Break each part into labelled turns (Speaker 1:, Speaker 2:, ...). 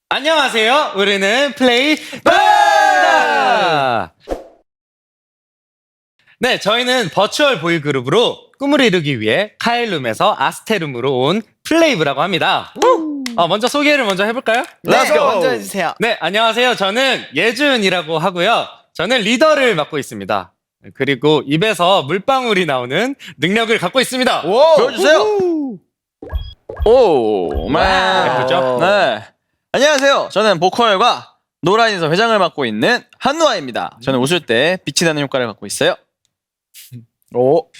Speaker 1: 안녕하세요. 우리는 플레이브입니다. 네, 저희는 버추얼 보이그룹으로 꿈을 이루기 위해 카일룸에서 아스테룸으로 온 플레이브라고 합니다. 먼저 소개를 먼저 해볼까요?
Speaker 2: 네,
Speaker 3: Let's go.
Speaker 2: 먼저 해주세요.
Speaker 1: 네, 안녕하세요. 저는 예준이라고 하고요. 저는 리더를 맡고 있습니다. 그리고 입에서 물방울이 나오는 능력을 갖고 있습니다.
Speaker 3: 보여주세요. 오,
Speaker 1: 예쁘죠?
Speaker 3: 네. 안녕하세요. 저는 보컬과 노라인에서 회장을 맡고 있는 한누아입니다. 저는 웃을 때 빛이 나는 효과를 갖고 있어요. 오,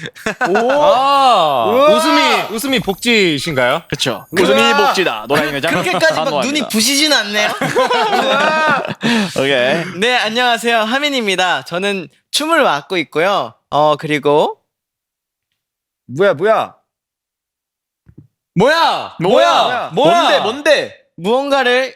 Speaker 1: 웃음이 복지신가요?
Speaker 3: 그렇죠. 웃음이 복지다. 노라인 회장.
Speaker 2: 그렇게까지 막
Speaker 3: 한누아입니다.
Speaker 2: 눈이 부시진 않네요.
Speaker 3: 오케이.
Speaker 2: 네, 안녕하세요. 하민입니다. 저는 춤을 맡고 있고요. 그리고
Speaker 1: 뭐야?
Speaker 3: 뭔데?
Speaker 2: 무언가를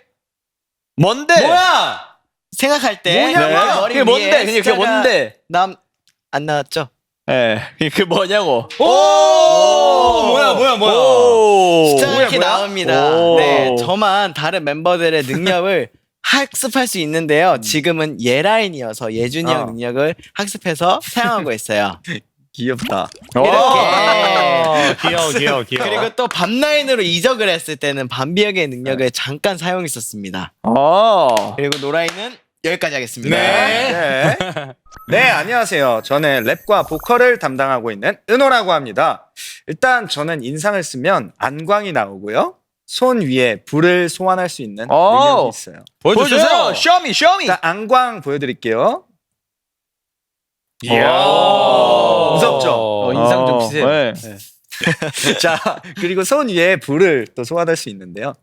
Speaker 3: 뭔데?
Speaker 2: 생각할 때
Speaker 3: 뭐냐고?
Speaker 2: 머리
Speaker 3: 그게 뭔데?
Speaker 2: 위에
Speaker 3: 그게
Speaker 2: 숫자가
Speaker 3: 뭔데?
Speaker 2: 안 나왔죠?
Speaker 3: 예, 그 뭐냐고?
Speaker 1: 뭐야?
Speaker 2: 숫자가 이렇게 나옵니다.
Speaker 3: 오.
Speaker 2: 네, 저만 다른 멤버들의 능력을 학습할 수 있는데요. 지금은 예라인이어서 예준이 형 능력을 학습해서 사용하고 있어요.
Speaker 1: 귀엽다. 귀여워.
Speaker 2: 그리고 또 밤라인으로 이적을 했을 때는 밤비역의 능력을 잠깐 사용했었습니다. 그리고 노라인은 여기까지 하겠습니다.
Speaker 4: 네, 안녕하세요. 저는 랩과 보컬을 담당하고 있는 은호라고 합니다. 일단 저는 인상을 쓰면 안광이 나오고요. 손 위에 불을 소환할 수 있는 능력이 있어요.
Speaker 3: 보여주세요. 쇼미.
Speaker 4: 일단 안광 보여드릴게요.
Speaker 1: 이야.
Speaker 4: 무섭죠?
Speaker 2: 인상 좀 주세요.
Speaker 3: 네.
Speaker 4: 자, 그리고 손 위에 불을 또 소환할 수 있는데요.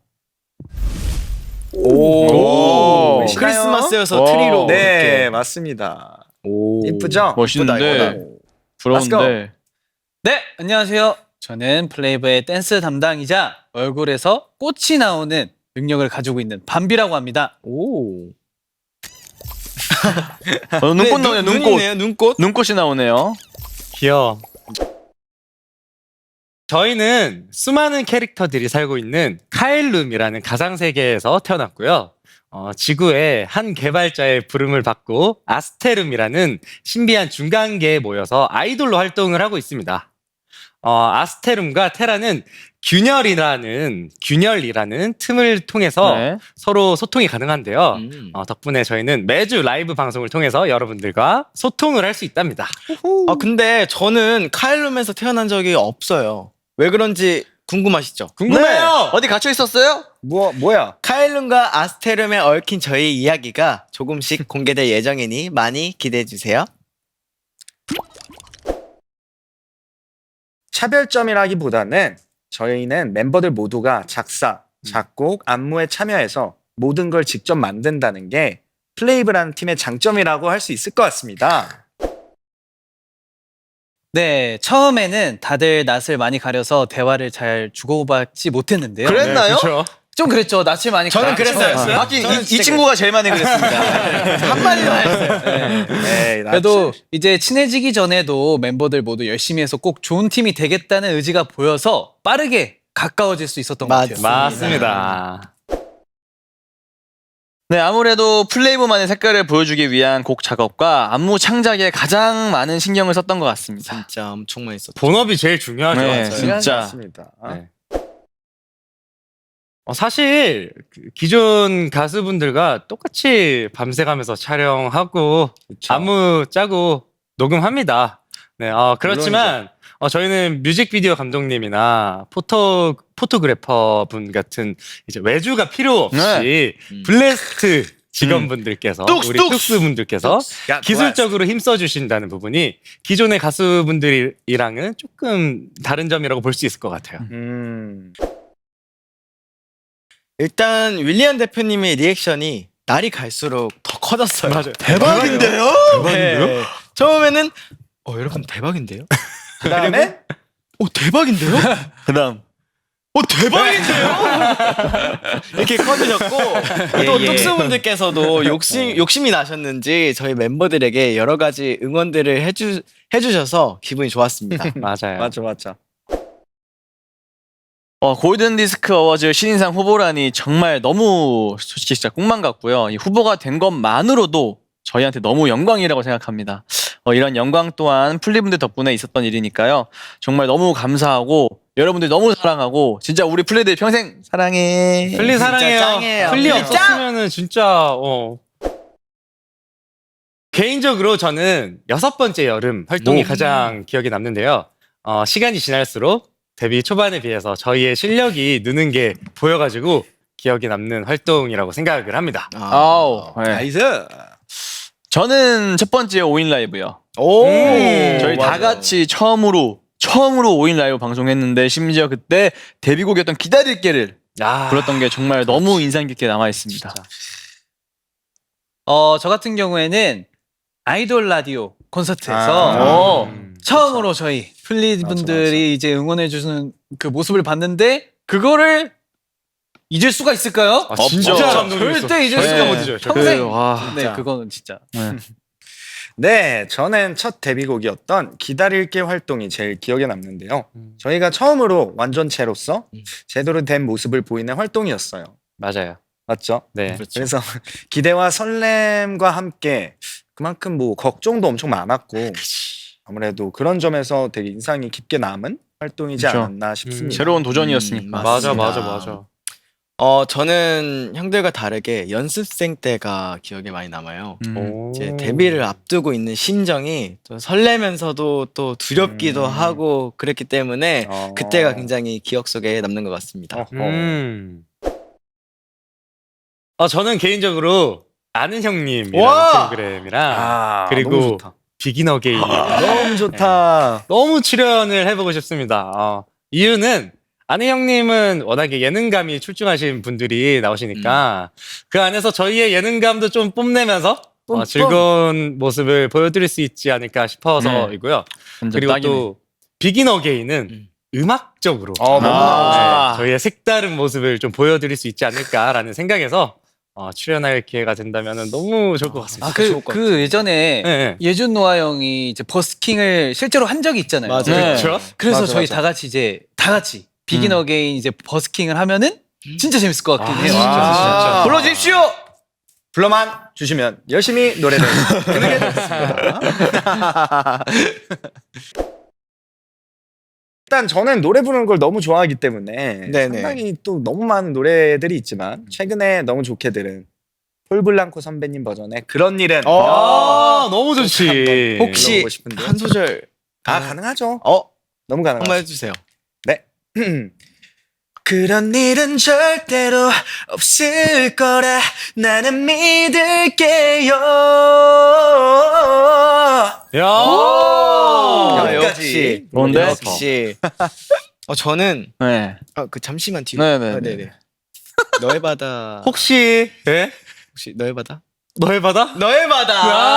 Speaker 3: 오.
Speaker 4: 보이시나요?
Speaker 2: 크리스마스여서
Speaker 3: 오.
Speaker 2: 트리로
Speaker 4: 네,
Speaker 2: 이렇게.
Speaker 4: 맞습니다. 이쁘죠?
Speaker 3: 멋있는데. 부러운데.
Speaker 5: 네, 안녕하세요. 저는 플레이브의 댄스 담당이자 얼굴에서 꽃이 나오는 능력을 가지고 있는 밤비라고 합니다.
Speaker 3: 눈꽃 나오네요.
Speaker 2: 눈이네요, 눈꽃.
Speaker 3: 눈꽃이 나오네요.
Speaker 1: 귀여워. 저희는 수많은 캐릭터들이 살고 있는 카일룸이라는 가상세계에서 태어났고요. 지구의 한 개발자의 부름을 받고 아스테룸이라는 신비한 중간계에 모여서 아이돌로 활동을 하고 있습니다. 아스테룸과 테라는 균열이라는 틈을 통해서
Speaker 3: 네.
Speaker 1: 서로 소통이 가능한데요.
Speaker 2: 음.
Speaker 1: 덕분에 저희는 매주 라이브 방송을 통해서 여러분들과 소통을 할 수 있답니다.
Speaker 2: 근데 저는 카일룸에서 태어난 적이 없어요. 왜 그런지 궁금하시죠?
Speaker 1: 궁금해요.
Speaker 3: 어디 갇혀 있었어요?
Speaker 4: 뭐야?
Speaker 2: 카일룸과 아스테룸에 얽힌 저희 이야기가 조금씩 공개될 예정이니 많이 기대해 주세요.
Speaker 4: 차별점이라기보다는 저희는 멤버들 모두가 작사, 작곡, 안무에 참여해서 모든 걸 직접 만든다는 게 플레이브라는 팀의 장점이라고 할 수 있을 것 같습니다.
Speaker 5: 네, 처음에는 다들 낯을 많이 가려서 대화를 잘 주고받지 못했는데요.
Speaker 3: 그랬나요?
Speaker 1: 그렇죠.
Speaker 5: 좀 그랬죠. 낯을 많이
Speaker 2: 저는 그랬어요.
Speaker 3: 하긴
Speaker 2: 저는
Speaker 3: 이
Speaker 2: 진짜
Speaker 3: 친구가 제일 많이 그랬습니다.
Speaker 2: 한마디도 안 했어요.
Speaker 4: 네,
Speaker 5: 그래도 이제 친해지기 전에도 멤버들 모두 열심히 해서 꼭 좋은 팀이 되겠다는 의지가 보여서 빠르게 가까워질 수 있었던 것 같아요.
Speaker 1: 맞습니다.
Speaker 3: 네, 아무래도 플레이브만의 색깔을 보여주기 위한 곡 작업과 안무 창작에 가장 많은 신경을 썼던 것 같습니다.
Speaker 2: 진짜 엄청 많이 썼죠.
Speaker 1: 본업이 제일 중요하죠.
Speaker 3: 네,
Speaker 1: 맞아요.
Speaker 3: 진짜.
Speaker 4: 맞습니다.
Speaker 1: 네. 사실 기존 가수분들과 똑같이 밤새 가면서 촬영하고 안무 짜고 녹음합니다. 네, 그렇지만 저희는 뮤직비디오 감독님이나 포토그래퍼 분 같은 이제 외주가 필요 없이 블레스트 직원분들께서 우리 뚝스 분들께서
Speaker 4: 야,
Speaker 1: 기술적으로 힘써 주신다는 부분이 기존의 가수분들이랑은 조금 다른 점이라고 볼 수 있을 것 같아요.
Speaker 2: 일단 윌리안 대표님의 리액션이 날이 갈수록 더 커졌어요. 맞아요.
Speaker 3: 대박인데요?
Speaker 2: 네. 처음에는 여러분 대박인데요?
Speaker 4: 그다음에
Speaker 2: 대박인데요?
Speaker 3: 그다음.
Speaker 2: 대박인데요? 이렇게 커지셨고 또 뚝스분들께서도 욕심이 나셨는지 저희 멤버들에게 여러 가지 응원들을 해주셔서 기분이 좋았습니다.
Speaker 1: 맞아요.
Speaker 4: 맞아.
Speaker 3: 골든 디스크 어워즈 신인상 후보라니 정말 너무 솔직히 진짜 꿈만 같고요. 이 후보가 된 것만으로도 저희한테 너무 영광이라고 생각합니다. 이런 영광 또한 플리분들 덕분에 있었던 일이니까요. 정말 너무 감사하고 여러분들 너무 사랑하고 진짜 우리 플리들 평생 사랑해.
Speaker 1: 플리 사랑해요.
Speaker 2: 짱이에요.
Speaker 1: 플리
Speaker 2: 플리
Speaker 1: 없었으면은 진짜 개인적으로 저는 6번째 여름 활동이 가장 기억에 남는데요. 시간이 지날수록 데뷔 초반에 비해서 저희의 실력이 느는 게 보여가지고 기억에 남는 활동이라고 생각을 합니다.
Speaker 3: 아우, 네.
Speaker 2: 나이스.
Speaker 3: 저는 첫 번째 5인 라이브요.
Speaker 2: 오.
Speaker 3: 저희 다 같이 처음으로 5인 라이브 방송했는데 심지어 그때 데뷔곡이었던 기다릴게를 불렀던 게 정말 너무 인상 깊게 남아 있습니다.
Speaker 5: 저 같은 경우에는 아이돌 라디오 콘서트에서 처음으로 저희 플리 분들이 이제 응원해 주는 그 모습을 봤는데 그거를 잊을 수가 있을까요?
Speaker 1: 진짜
Speaker 3: 없죠.
Speaker 1: 감동이었어.
Speaker 5: 절대 잊을
Speaker 3: 네.
Speaker 5: 수가 못 잊어요. 평생.
Speaker 3: 와,
Speaker 5: 네, 그거는 진짜.
Speaker 4: 네, 저는 첫 데뷔곡이었던 기다릴게 활동이 제일 기억에 남는데요. 저희가 처음으로 완전체로서 제대로 된 모습을 보이는 활동이었어요.
Speaker 1: 맞아요.
Speaker 4: 맞죠?
Speaker 1: 네.
Speaker 4: 그래서 기대와 설렘과 함께 그만큼 뭐 걱정도 엄청 많았고 아무래도 그런 점에서 되게 인상이 깊게 남은 활동이지
Speaker 3: 그쵸.
Speaker 4: 않았나 싶습니다.
Speaker 3: 새로운 도전이었으니까.
Speaker 1: 맞아.
Speaker 2: 저는 형들과 다르게 연습생 때가 기억에 많이 남아요. 이제
Speaker 1: 오.
Speaker 2: 데뷔를 앞두고 있는 심정이 또 설레면서도 또 두렵기도 하고 그랬기 때문에 그때가 굉장히 기억 속에 남는 것 같습니다.
Speaker 1: 저는 개인적으로 아는 형님이라는
Speaker 2: 와!
Speaker 1: 프로그램이랑 그리고
Speaker 4: 너무 좋다.
Speaker 1: 비긴 어게인
Speaker 4: 너무 좋다.
Speaker 1: 너무 출연을 해보고 싶습니다. 이유는 아는 형님은 워낙에 예능감이 출중하신 분들이 나오시니까 그 안에서 저희의 예능감도 좀 뽐내면서 즐거운 모습을 보여드릴 수 있지 않을까 싶어서이고요. 그리고 또 비긴 어게인은 음악적으로
Speaker 3: 너무나
Speaker 1: 저희의 색다른 모습을 좀 보여드릴 수 있지 않을까라는 생각에서 출연할 기회가 된다면 너무 좋을 것 같습니다.
Speaker 5: 그 예전에
Speaker 1: 네.
Speaker 5: 예준 노아 형이 이제 버스킹을 실제로 한 적이 있잖아요.
Speaker 2: 맞아요.
Speaker 3: 네.
Speaker 1: 그렇죠?
Speaker 5: 그래서
Speaker 4: 맞아,
Speaker 5: 저희
Speaker 4: 맞아.
Speaker 5: 다 같이 비긴 어게인 이제 버스킹을 하면은 진짜 재밌을 것 같긴 해요.
Speaker 1: 진짜.
Speaker 2: 불러주십시오.
Speaker 4: 불러만 주시면 열심히 노래를 부르겠습니다. 일단 저는 노래 부르는 걸 너무 좋아하기 때문에
Speaker 2: 네네.
Speaker 4: 상당히 또 너무 많은 노래들이 있지만 최근에 너무 좋게 들은 폴블랑코 선배님 버전의 그런 일은
Speaker 1: 너무 좋지.
Speaker 2: 혹시
Speaker 4: 불러보고 싶은데.
Speaker 2: 한 소절
Speaker 4: 가능하죠. 너무
Speaker 2: 한번
Speaker 4: 가능하죠.
Speaker 2: 해주세요.
Speaker 4: 그런 일은 절대로 없을 거라 나는 믿을게요.
Speaker 1: 야.
Speaker 2: 역시
Speaker 3: 좋은데?
Speaker 2: 역시. 저는
Speaker 3: 네.
Speaker 2: 잠시만 뒤로.
Speaker 3: 네네.
Speaker 2: 네네. 너의 바다.
Speaker 1: 혹시
Speaker 2: 혹시 너의 바다?
Speaker 1: 너의 바다?
Speaker 2: 너의 바다.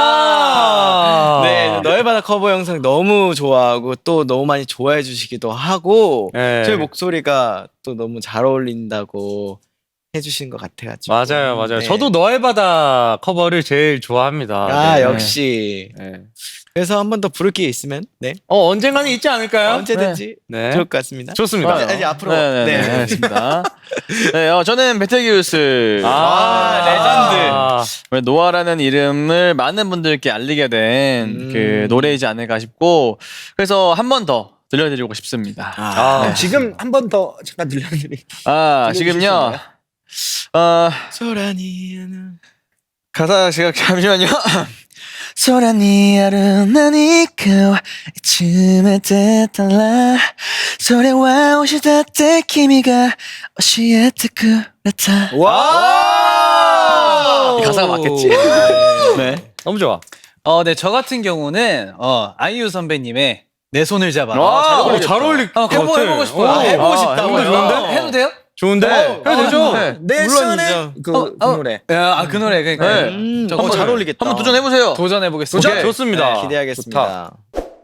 Speaker 2: 네, 너의 바다 커버 영상 너무 좋아하고 또 너무 많이 좋아해 주시기도 하고
Speaker 1: 네.
Speaker 2: 저희 목소리가 또 너무 잘 어울린다고 해주신 것 같아가지고.
Speaker 1: 맞아요.
Speaker 2: 네.
Speaker 1: 저도 너의 바다 커버를 제일 좋아합니다. 네.
Speaker 2: 역시.
Speaker 1: 네.
Speaker 2: 그래서 한 번 더 부를 게 있으면
Speaker 1: 언젠가는 있지 않을까요?
Speaker 2: 언제든지
Speaker 1: 네.
Speaker 2: 좋을 것 같습니다.
Speaker 1: 좋습니다.
Speaker 2: 이제 앞으로.
Speaker 3: 네, 알겠습니다. 네, 저는 베테기우스.
Speaker 2: 레전드.
Speaker 3: 노아라는 이름을 많은 분들께 알리게 된 그 노래이지 않을까 싶고 그래서 한 번 더 들려드리고 싶습니다.
Speaker 1: 네.
Speaker 4: 지금 한 번 더 잠깐 들려드릴게요.
Speaker 3: 지금요.
Speaker 2: 소란이는
Speaker 3: 가사 제가 잠시만요. 소란이 아름다니까 이쯤에 때달라 소리와 오시다 때君が 教えてくれた
Speaker 2: 와.
Speaker 3: 이 가사가 맞겠지? 네.
Speaker 1: 너무 좋아.
Speaker 5: 네, 저 같은 경우는 아이유 선배님의 내 손을 잡아.
Speaker 1: 잘 어울릴 것 같아.
Speaker 5: 해보고 싶어요.
Speaker 2: 해보고 싶다고요?
Speaker 1: 이거 좋은데?
Speaker 5: 해도 돼요?
Speaker 1: 좋은데? 해도 되죠?
Speaker 3: 네.
Speaker 4: 내 손에 그 노래.
Speaker 5: 그 노래 그러니까
Speaker 3: 네.
Speaker 2: 한번 잘 어울리겠다.
Speaker 3: 한번 도전해보세요.
Speaker 5: 도전해 보겠습니다.
Speaker 3: 오케이.
Speaker 1: 좋습니다.
Speaker 2: 기대하겠습니다.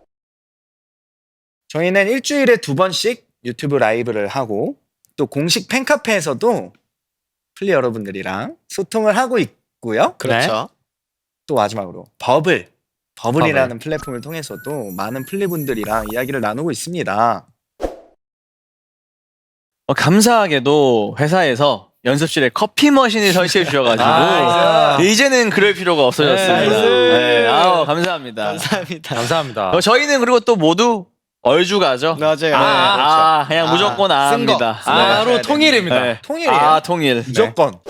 Speaker 4: 저희는 일주일에 2번씩 유튜브 라이브를 하고 또 공식 팬카페에서도 플리 여러분들이랑 소통을 하고 있고요.
Speaker 2: 그렇죠.
Speaker 4: 또 마지막으로 버블이라는 플랫폼을 통해서도 많은 플리분들이랑 이야기를 나누고 있습니다.
Speaker 3: 감사하게도 회사에서 연습실에 커피 머신을 설치해 주셔가지고 이제는 그럴 필요가 없어졌습니다. 네, 감사합니다.
Speaker 2: 감사합니다.
Speaker 1: 감사합니다.
Speaker 3: 저희는 그리고 또 모두 얼주가죠.
Speaker 2: 맞아요.
Speaker 3: 그냥 무조건
Speaker 2: 쓴 거.
Speaker 3: 아입니다.
Speaker 1: 바로 통일입니다.
Speaker 3: 네.
Speaker 4: 통일이에요.
Speaker 3: 통일.
Speaker 4: 무조건.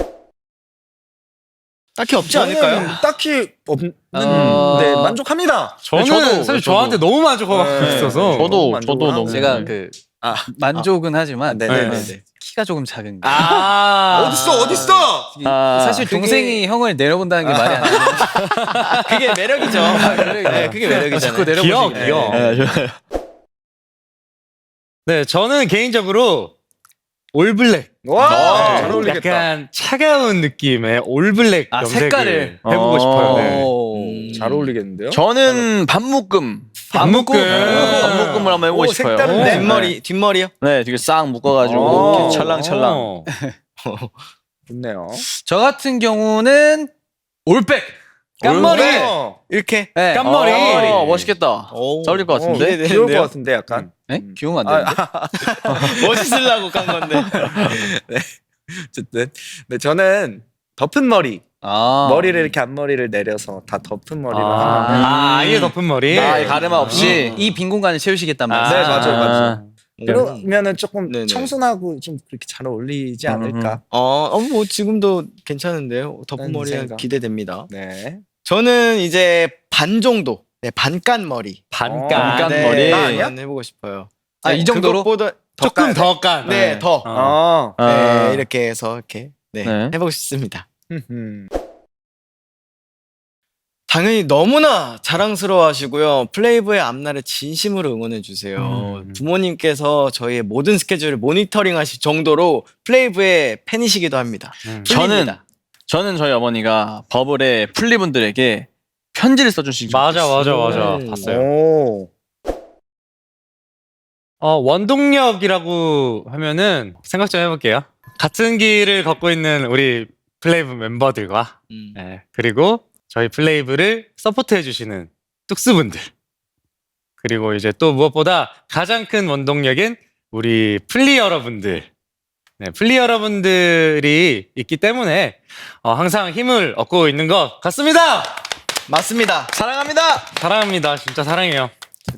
Speaker 2: 딱히 없지 않을까요?
Speaker 4: 딱히 없는.
Speaker 5: 네,
Speaker 4: 만족합니다.
Speaker 1: 저는 사실 저한테 너무 만족하고
Speaker 4: 네.
Speaker 1: 있어서
Speaker 3: 저도
Speaker 4: 만족을
Speaker 3: 너무.
Speaker 5: 제가 그 만족은 하지만
Speaker 4: 네네네.
Speaker 5: 키가 조금 작은 게.
Speaker 4: 어딨어?
Speaker 5: 사실 동생이 형을 내려본다는 게 말이 안 돼.
Speaker 2: 그게 매력이죠. 네, 그게 매력이잖아요.
Speaker 5: 자꾸
Speaker 1: 귀여워,
Speaker 5: 내려보시게.
Speaker 1: 귀여워.
Speaker 3: 좋아요.
Speaker 1: 네, 저는 개인적으로 올블랙.
Speaker 4: 와, 잘 어울리겠다.
Speaker 1: 약간 차가운 느낌의 올블랙 염색을
Speaker 5: 색깔을.
Speaker 1: 해보고 싶어요. 네.
Speaker 5: 오.
Speaker 4: 잘 어울리겠는데요?
Speaker 3: 저는 반묶음.
Speaker 1: 반묶음.
Speaker 3: 반묶음을 한번 해보고
Speaker 4: 오,
Speaker 3: 싶어요.
Speaker 4: 색다른데?
Speaker 2: 뒷머리요?
Speaker 3: 네, 되게 싹 묶어가지고
Speaker 4: 오.
Speaker 3: 이렇게 찰랑찰랑.
Speaker 1: 어.
Speaker 4: 좋네요.
Speaker 5: 저 같은 경우는 올백.
Speaker 1: 깐머리.
Speaker 2: 이렇게.
Speaker 5: 네.
Speaker 1: 깐머리.
Speaker 3: 멋있겠다.
Speaker 2: 오.
Speaker 3: 잘 어울릴 것 같은데.
Speaker 2: 기대되는데요?
Speaker 4: 귀여울 것 같은데 약간.
Speaker 5: 네? 귀여우면 안 되는데.
Speaker 2: 멋있으려고 깐 건데.
Speaker 4: 어쨌든 네, 저는 덮은 머리.
Speaker 5: 아.
Speaker 4: 머리를 이렇게 앞머리를 내려서 다 덮은 머리를 하면
Speaker 1: 아예 덮은 머리.
Speaker 3: 가르마 없이.
Speaker 5: 이 빈 공간을 채우시겠단 말이에요.
Speaker 4: 네, 맞아요.
Speaker 2: 음.
Speaker 4: 그러면은 조금
Speaker 2: 네네.
Speaker 4: 청순하고 좀 그렇게 잘 어울리지 않을까.
Speaker 2: 뭐 지금도 괜찮은데요. 덮은
Speaker 4: 난
Speaker 2: 머리
Speaker 4: 생각.
Speaker 2: 기대됩니다.
Speaker 4: 네.
Speaker 2: 저는 이제 반 정도. 네, 반깐 머리.
Speaker 1: 반깐.
Speaker 3: 반깐
Speaker 2: 네,
Speaker 3: 머리.
Speaker 2: 한번 해보고 싶어요.
Speaker 5: 이 정도로?
Speaker 2: 그것보다
Speaker 1: 조금 더 깐.
Speaker 2: 네, 더.
Speaker 1: 어.
Speaker 2: 네, 이렇게 해서 이렇게 네,
Speaker 3: 네.
Speaker 2: 해보고 싶습니다.
Speaker 4: 음.
Speaker 2: 당연히 너무나 자랑스러워하시고요. 플레이브의 앞날을 진심으로 응원해 주세요. 부모님께서 저희의 모든 스케줄을 모니터링하실 정도로 플레이브의 팬이시기도 합니다.
Speaker 3: 저는 저희 어머니가 버블의 플리분들에게 편지를 써주신 적이
Speaker 1: 맞아.
Speaker 2: 음.
Speaker 1: 봤어요.
Speaker 4: 오.
Speaker 1: 원동력이라고 하면은 생각 좀 해볼게요. 같은 길을 걷고 있는 우리 플레이브 멤버들과 네, 그리고 저희 플레이브를 서포트해주시는 뚝스분들, 그리고 이제 또 무엇보다 가장 큰 원동력인 우리 플리 여러분들, 네, 플리 여러분들이 있기 때문에 항상 힘을 얻고 있는 것 같습니다.
Speaker 2: 맞습니다.
Speaker 3: 사랑합니다.
Speaker 1: 사랑합니다. 진짜 사랑해요.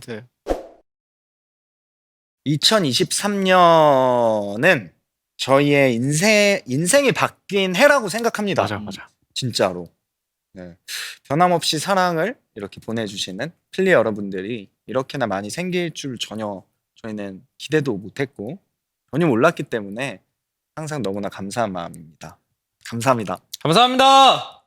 Speaker 4: 2023년은 저희의 인생이 바뀐 해라고 생각합니다.
Speaker 1: 맞아.
Speaker 4: 진짜로. 네. 변함없이 사랑을 이렇게 보내주시는 플리 여러분들이 이렇게나 많이 생길 줄 전혀 저희는 기대도 못했고 전혀 몰랐기 때문에 항상 너무나 감사한 마음입니다. 감사합니다.
Speaker 1: 감사합니다.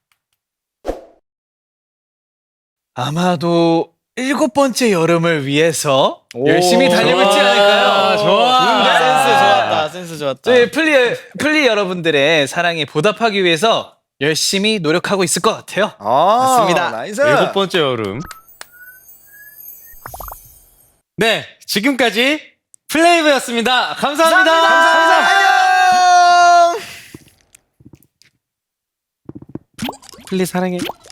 Speaker 5: 아마도 7번째 여름을 위해서
Speaker 4: 오,
Speaker 5: 열심히 달리고 있지
Speaker 1: 좋아.
Speaker 5: 않을까요?
Speaker 1: 좋아.
Speaker 2: 센스 좋았다. 센스 좋았다.
Speaker 5: 저희 플리 여러분들의 사랑에 보답하기 위해서 열심히 노력하고 있을 것 같아요.
Speaker 2: 맞습니다.
Speaker 4: 나이스.
Speaker 1: 7번째 여름. 네, 지금까지 플레이브였습니다. 감사합니다.
Speaker 2: 안녕.
Speaker 1: 플리 사랑해.